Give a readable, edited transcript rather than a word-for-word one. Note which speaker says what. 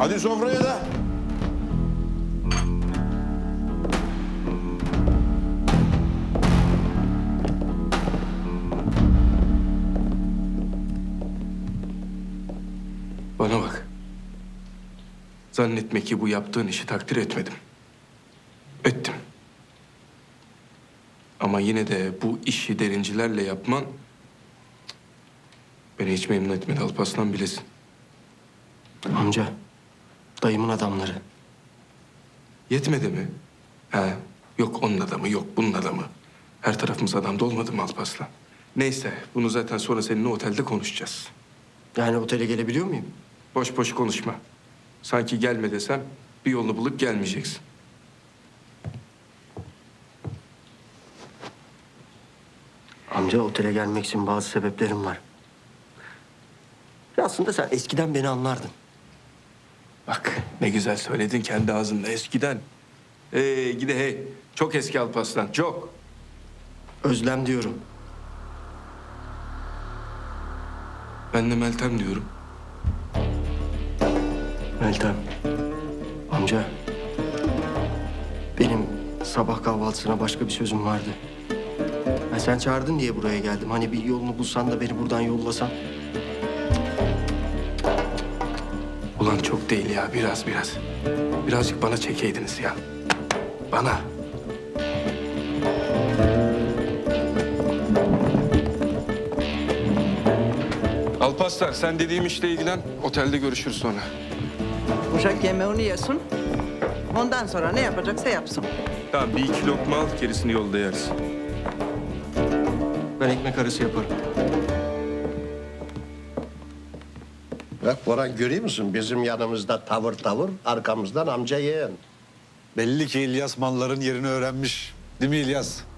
Speaker 1: Hadi sofraya da.
Speaker 2: Bana bak. Zannetme ki bu yaptığın işi takdir etmedim. Ettim. Ama yine de bu işi derincilerle yapman beni hiç memnun etmedi Alparslan, bilesin.
Speaker 3: Amca, dayımın adamları.
Speaker 2: Yetmedi mi? He, yok onun adamı, yok bunun adamı. Her tarafımız adamda olmadı mı Alparslan? Neyse, bunu zaten sonra seninle otelde konuşacağız.
Speaker 3: Yani otele gelebiliyor muyum?
Speaker 2: Boş boş konuşma. Sanki gelme desem bir yolunu bulup gelmeyeceksin.
Speaker 3: Amca, otele gelmek için bazı sebeplerim var. Ya aslında sen eskiden beni anlardın.
Speaker 2: Bak ne güzel söyledin kendi ağzında eskiden. Gide hey. Çok eski Alparslan, çok.
Speaker 3: Özlem diyorum.
Speaker 2: Ben de Meltem diyorum.
Speaker 3: Meltem. Amca. Benim sabah kahvaltısına başka bir sözüm vardı. Ya sen çağırdın diye buraya geldim. Hani bir yolunu bulsan da beni buradan yollasan.
Speaker 2: Ulan çok değil ya, biraz. Birazcık bana çekeydiniz ya. Bana. Alparslan sen dediğim işle ilgilen. Otelde görüşürüz sonra.
Speaker 4: Uşak yemeğini yesin. Ondan sonra ne yapacaksa yapsın.
Speaker 2: Tamam bir iki lokma al, gerisini yolda yeriz.
Speaker 3: Ben ekmek arası yaparım.
Speaker 5: Bak Boran, görüyor musun? Bizim yanımızda tavır, arkamızdan amca yeğen.
Speaker 6: Belli ki İlyas malların yerini öğrenmiş. Değil mi İlyas?